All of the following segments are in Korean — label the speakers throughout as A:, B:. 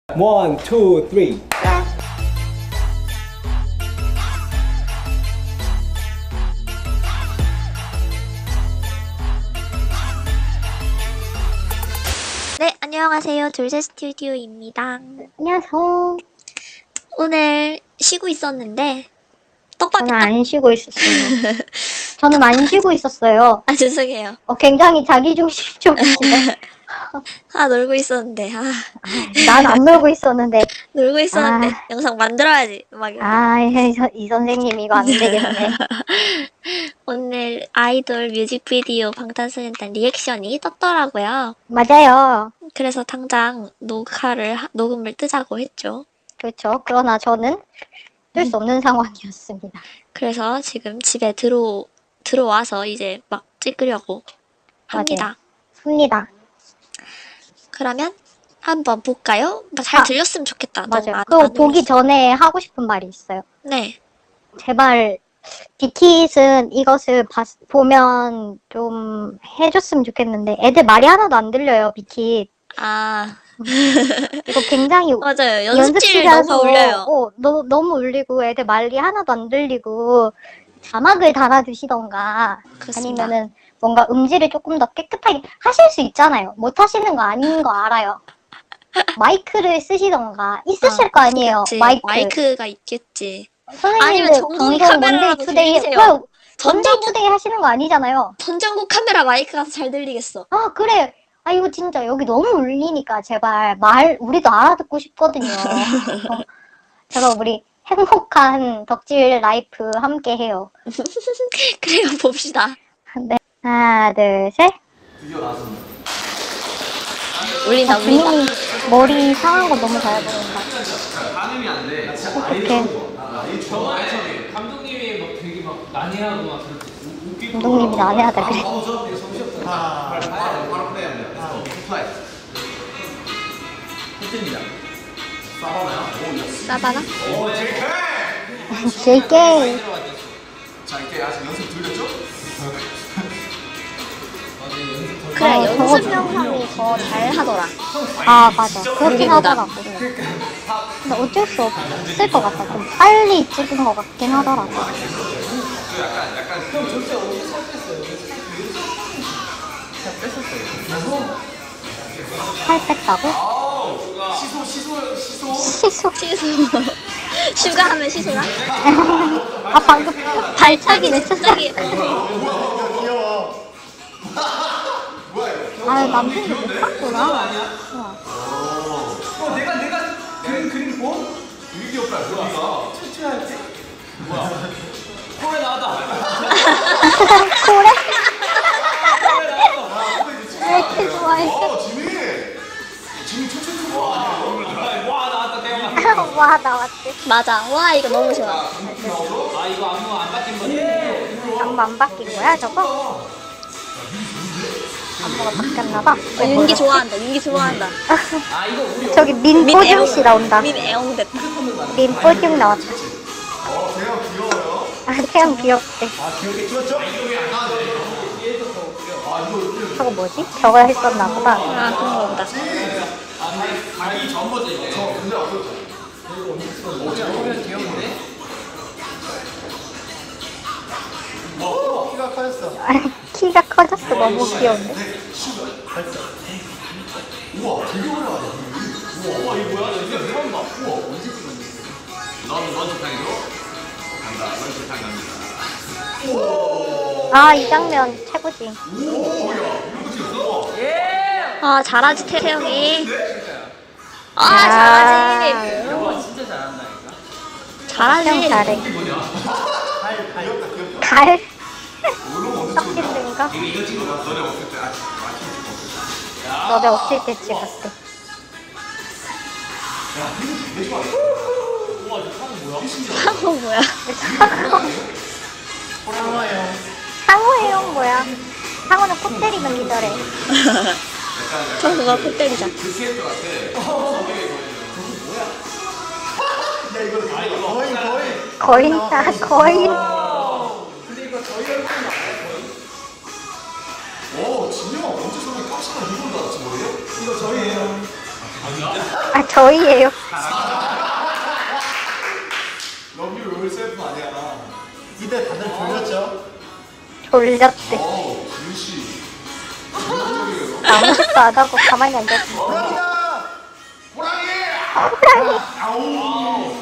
A: One, two, three.
B: 네, 안녕하세요. 둘셋 스튜디오입니다.
C: 안녕하세요.
B: 오늘 쉬고 있었는데
C: 저는 안 쉬고 있었어요. 저는 안 쉬고 있었어요.
B: 아, 죄송해요.
C: 굉장히 자기중심적이시네.
B: 놀고 있었는데
C: 난 안 놀고 있었는데.
B: 놀고 있었는데 영상 만들어야지. 막
C: 이 선생님 이거 안 되겠네.
B: 오늘 아이돌 뮤직비디오 방탄소년단 리액션이 떴더라고요.
C: 맞아요.
B: 그래서 당장 녹음을 뜨자고 했죠.
C: 그렇죠. 그러나 저는 뜰 수 없는 상황이었습니다.
B: 그래서 지금 집에 들어와서 이제 막 찍으려고 합니다.
C: 습니다.
B: 그러면 한번 볼까요? 잘 들렸으면 좋겠다.
C: 맞아요. 그거 보기 전에 하고 싶은 말이 있어요.
B: 네.
C: 제발 빅킷은 이것을 보면 좀 해줬으면 좋겠는데 애들 말이 하나도 안 들려요. 빅킷. 이거 굉장히
B: 맞아요. 연습실 너무 울려요.
C: 너무 울리고 애들 말이 하나도 안 들리고 자막을 달아주시던가
B: 그렇습니다.
C: 아니면은 뭔가 음질을 조금 더 깨끗하게 하실 수 있잖아요. 못 하시는 거 아닌 거 알아요. 마이크를 쓰시던가 있으실 거 아니에요.
B: 그치.
C: 마이크.
B: 마이크가 있겠지.
C: 선생님들
B: 아니면 전동이
C: 방송
B: 카메라라도
C: 원데이
B: 빌리세요.
C: 투데이 원데이 투데이 하시는 거 아니잖아요.
B: 전장국 카메라 마이크가 더 잘 들리겠어.
C: 그래. 이거 진짜 여기 너무 울리니까 제발 우리도 알아듣고 싶거든요. 제발 우리 행복한 덕질 라이프 함께 해요.
B: 그래요, 봅시다.
C: 네. 하나, 둘, 셋.
B: 울린다.
C: 주민이 머리 상한 거 너무 잘 보인다.
D: 반응이 안 돼.
C: 어떡해.
D: 감독님이 막 되게 막 난해하고 막 그렇게 웃기고.
C: 감독님이 난해하다 그래.
D: 바로 플레이하면 돼. 플레이. hit입니다. 싸바나요?
B: 싸바나?
D: 오, JK!
C: JK.
D: 자, 이렇게 아직 연습 들렸죠?
B: 그래,
C: 저거
B: 연습 영상이 더 잘 하더라.
C: 맞아. 그렇긴 하더라고. 근데 어쩔 수 없을 것 같아. 좀 빨리 찍은 것 같긴 하더라고. 살 뺐다고? 시소.
B: 슈가하면 시소라?
C: 방금 발차기 냈었어. 남편이 못 봤구나.
D: 내가 그림 보? 되게 귀엽다. 뭐야? 추추할 때? 뭐야? 코에 나왔다.
C: 코레? 왜 이렇게 좋아해?
D: 지민 추추 와 나왔다 대박.
C: 와, 나왔지.
B: 맞아. 와, 이거 너무 좋아.
D: 이거 안 바뀐 거지?
C: 안무 안 바뀐 거야, 저거? 안무가 바뀌었나봐.
B: 윤기 좋아한다. 윤기 좋아한다.
D: 이거 우리
C: 저기 민뽀중 씨 나온다.
B: 민애옹 됐다.
C: 민뽀중 나왔다.
D: 대형 귀여워요.
C: 태양 귀엽대.
D: 귀엽게 찍었죠?
C: 저거 뭐지? 저거 했었나 보다.
B: 그런 거 보다.
D: 가기 전 버전 이거. 저 근데 없었죠. 저거 귀여운데? 키가 커졌어.
C: 키가 커졌어. 너무 귀여운데.
D: 우와 되게 오래가네. 우와 이거 뭐야? 이거 처음 봐. 우와 언제 찍었니? 넌 런치탕이죠? 간다. 런치탕 갑니다.
C: 이 장면 최고지.
B: 잘하지, 태영이.
C: 야.
B: 잘하지.
D: 영화 진짜 잘한다니까.
C: 태양
B: 잘하지.
C: 잘해. 갈? 썩힌든가?
D: 이거 찍은 거 너네 없을 때 아침 찍었어.
C: 너네 없을 때 찍었대.
B: 상호 뭐야?
C: 상호예요, 뭐야? 상호는 코 때리면 기절해.
B: 상호가 코 때리자.
D: 그캐릭터 같아. 야 이거
C: 거인.
D: 진영아 언제 저렇게 깜찍한 이걸 받았지 뭐예요? 이거 저희예요.
C: 저희예요.
D: 러브 유 롤셀프 아니야. 이때 다들 졸렸죠?
C: 졸렸대.
D: 윤씨.
C: 아무것도 안 하고 가만히 앉았어.
D: 호랑이다! 호랑이!
C: 호랑이.
D: 아우!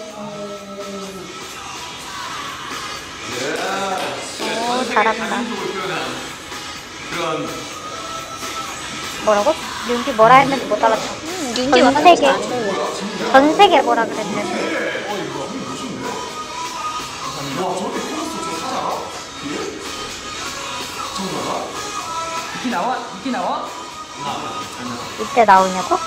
C: 오, 잘한다.
D: 그런
C: 뭐라고? 윤기 뭐라 했는지 못 알았어.
B: 윤기
C: 전
B: 완전
C: 세계.
B: 잘해.
C: 전 세계 뭐라 그랬는데.
D: 와 저렇게 크로스 저거 사잖아? 뒤에? 저거잖아?
A: 니키 나와? 니키 나와?
C: 이때 나오냐고?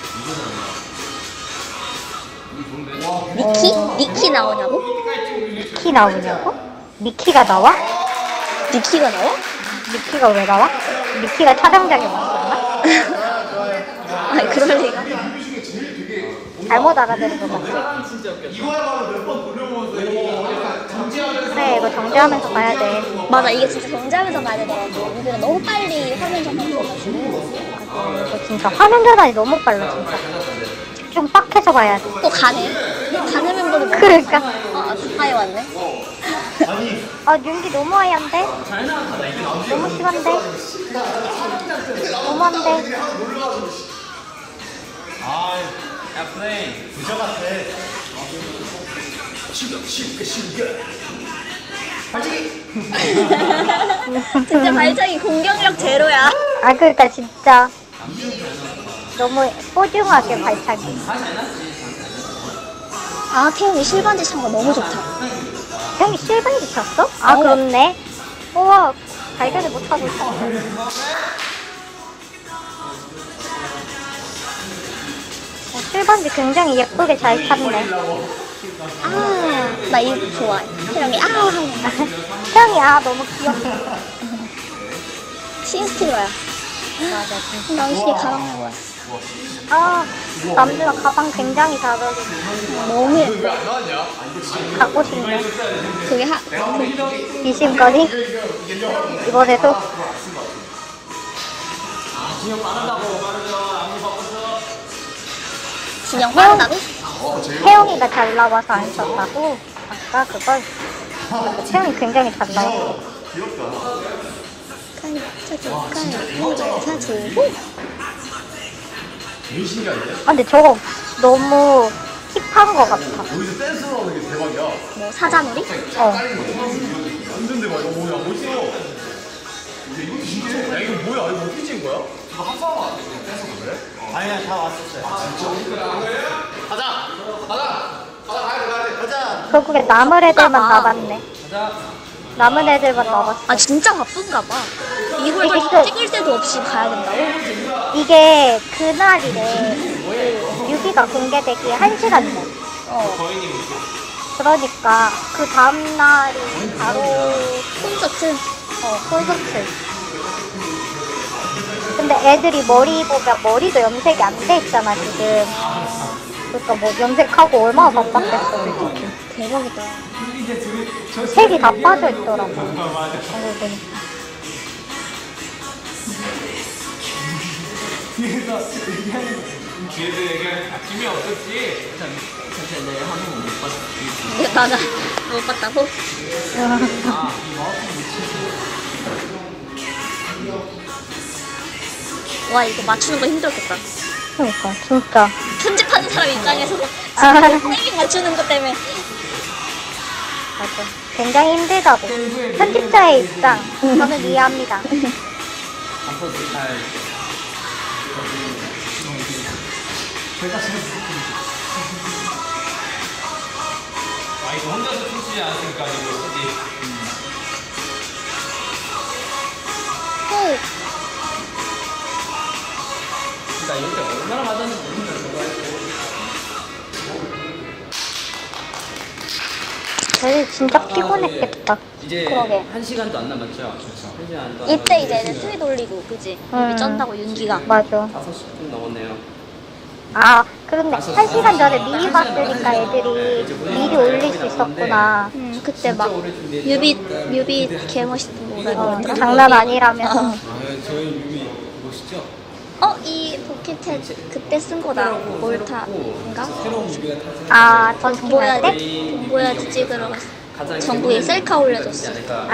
B: 니키? 니키 나오냐고?
C: 미키 나오냐고? 미키가 나와?
B: 니키가 나와?
C: 미키가 왜 나와? 미키가 촬영장에 왔었나?
B: 아니 그럴 리가.
C: 잘못 알아들은 것 같아.
A: 진짜 웃겼다.
D: 이거야말로 몇 번 돌려보면서 이거 약간 정지하면서
C: 그래, 이거 정지하면서 봐야 돼.
B: 맞아 이게 진짜 정지하면서 봐야 되더라고. 우리가 너무 빨리 화면 전환돼가지고
C: 이거 진짜 화면 전환이 너무 빨라, 진짜. 집중 빡 해서 봐야 돼.
B: 또 가네. 가는 멤버도 뭐?
C: 그러니까.
B: 아 가까이 왔네.
C: 아, 윤기 너무 하얀데?
A: 잘 나왔다. 이게 나오지?
C: 너무 심한데? 너무한데?
A: 아, 야 플레이.
D: 부자 같아. 시가 발치기!
B: 진짜 발차기 공격력 제로야.
C: 아, 그러니까 진짜. 너무 소중하게 발차기.
B: 아 태영이 실반지 찬 거 너무 좋다.
C: 형이 실반지 쳤어? 아,
B: 어.
C: 그렇네. 우와, 발견을 못하고 있어. 실반지 굉장히 예쁘게 잘 찼네.
B: 아나 이거 좋아해. 태영이 하는 거.
C: 태영이, 아, 너무 귀엽다.
B: 신스틸러야.
C: 맞아, 진짜.
B: 난 이게 가방인 거야.
C: 아, 남주가 가방 굉장히 잘 어울리네.
B: 너무 예뻐.
D: 왜안 나왔냐?
C: 갖고 싶네.
B: 그게
C: 미심거리? 이번에도?
A: 진영 빠르다고 빠르죠. 아무 바쁘죠.
B: 진영 빠르다고?
C: 태영이가 잘 나와서 안 썼다고? 아까 그걸? 태영이 굉장히 잘 나왔어.
D: 귀엽다.
B: 사주고
D: 되게 신기한데?
C: 아, 근데 저거 너무 힙한 것 같아.
D: 여기서 댄스 나오는 게 대박이야.
B: 뭐 사자놀이?
C: 어.
D: 완전 대박. 이거 뭐야? 멋있어. 이것도 신기해. 야 이거 뭐야? 이거 어떻게 찍은 거야? 이거 합성하면 안 돼? 그냥 댄서 그래?
A: 아니야 다 왔었어요.
D: 가자! 가야 돼. 가자!
C: 결국에 남은 애들만
B: 아.
C: 남았네.
A: 가자.
C: 남은 애들만 남았어.
B: 아 진짜 바쁜가 봐. 이걸
C: 이게
B: 찍을 때도 없이 가야 된다고?
C: 이게 그날이래. 그 뮤비가 공개되기에 1시간 전. 그러니까 그 다음날이 바로
B: 콘서트.
C: 콘서트. 근데 애들이 머리 보면 머리도 염색이 안 돼 있잖아, 지금. 그러니까 뭐 염색하고 얼마나 바빴겠어, 솔직히.
B: 대박이다.
C: 색이 다 빠져 있더라고. 알고 보니까.
A: 뒤에서 얘기하는 아낌이 없었지. 사실 내 화면 못 봤어.
B: 나는 못 봤다고? 와 이거 맞추는 거 힘들었겠다.
C: 그러니까 진짜.
B: 편집하는 사람 입장에서
C: 아.
B: 타이밍 맞추는 것 때문에
C: 맞아. 굉장히 힘들다고. 편집자의 입장. 저는 이해합니다.
A: 앞으로도 잘. 아 이거 혼자서 춤추지 않았으니까 이거 쓰지.
B: 후
A: 나 이렇게 얼마나 맞았는지 모르겠어. 저거 했고.
C: 쟤들 진짜 피곤했겠다.
A: 이제
B: 그러게.
A: 1시간도 안 남았죠? 그렇죠. 1시간 안
B: 이때 이제는 트윗 올리고 그지?
C: 음.
B: 입이 쩐다고 윤기가.
C: 맞아.
A: 5시 좀 넘었네요.
C: 아, 그런데 1시간 전에 미리 봤으니까 애들이 미리 올릴 수 있었구나.
B: 그때 막 뮤비 개멋있고 뭐라
C: 어,
B: 그러더라?
C: 장난 아니라면서.
A: 아, 저희 유미 멋있죠?
B: 이 포켓햇 그때 쓴 거다. 몰타인가?
A: 새로운 무기가 탄생.
C: 아, 전 정보할 때?
B: 보여야지 찍으러
A: 가장
B: 정부에 셀카 올려줬어.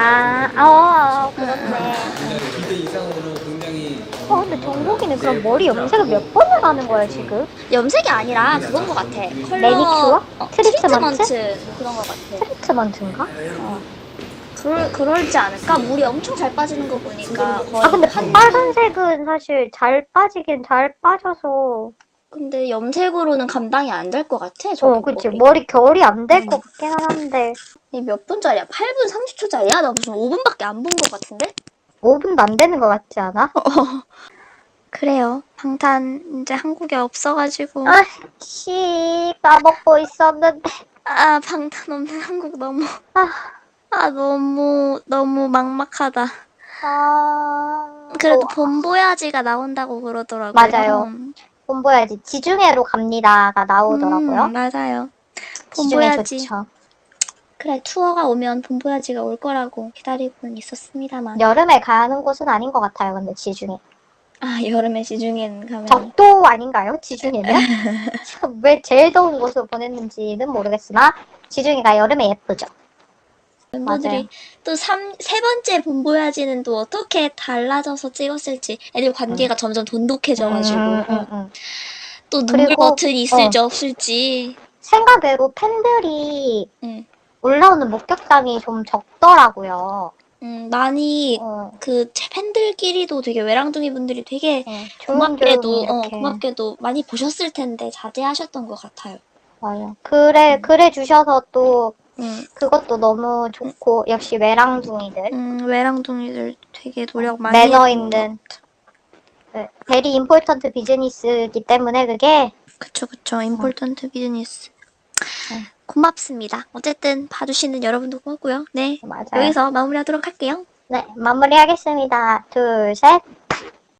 C: 그렇네.
A: 기대 이상으로 굉장히
C: 근데 정국이는 그럼 머리 염색을 몇 번을 하는 거야, 지금?
B: 염색이 아니라 그건 거 같아. 컬러
C: 매니큐어? 트리트먼트?
B: 그런 거 같아.
C: 트리트먼트인가?
B: 그럴지 않을까? 물이 엄청 잘 빠지는 거 보니까 거의
C: 근데 빨간색은 사실 잘 빠지긴 잘 빠져서.
B: 근데 염색으로는 감당이 안 될 것 같아. 저
C: 그치. 머리 결이 안 될 것 같긴 한데.
B: 몇 분짜리야? 8분 30초짜리야? 나 무슨 5분밖에 안 본 것 같은데?
C: 5분도 안 되는 것 같지 않아?
B: 그래요. 방탄 이제 한국에 없어가지고
C: 까먹고 있었는데.
B: 방탄 없는 한국 너무 막막하다. 그래도 본보야지가 나온다고 그러더라고요.
C: 맞아요. 본보야지 지중해로 갑니다가 나오더라고요.
B: 맞아요.
C: 지중해
B: 본보야지.
C: 좋죠.
B: 그래, 투어가 오면 본보야지가 올 거라고 기다리고는 있었습니다만.
C: 여름에 가는 곳은 아닌 것 같아요. 근데 지중해.
B: 여름에 지중해는 가면.
C: 적도 아닌가요? 지중해는? 왜 제일 더운 곳으로 보냈는지는 모르겠으나 지중해가 여름에 예쁘죠.
B: 멤버들이 또 세 번째 본보야지는 또 어떻게 달라져서 찍었을지 애들 관계가 점점 돈독해져가지고 또 눈물
C: 그리고,
B: 버튼이 있을지 없을지
C: 생각외로 팬들이 올라오는 목격담이 좀 적더라고요.
B: 많이 그 팬들끼리도 되게 외랑둥이 분들이 되게 고맙게도 많이 보셨을 텐데 자제하셨던 것 같아요.
C: 맞아요. 그래 주셔서 또 그것도 너무 좋고 역시 외랑둥이들.
B: 외랑둥이들 되게 노력 많이
C: 매너 있는 베리 임포턴트 비즈니스이기 때문에 그게
B: 그쵸 임포턴트 비즈니스. 고맙습니다. 어쨌든 봐주시는 여러분도 고맙고요. 네,
C: 맞아요.
B: 여기서 마무리하도록 할게요.
C: 네, 마무리하겠습니다. 둘, 셋.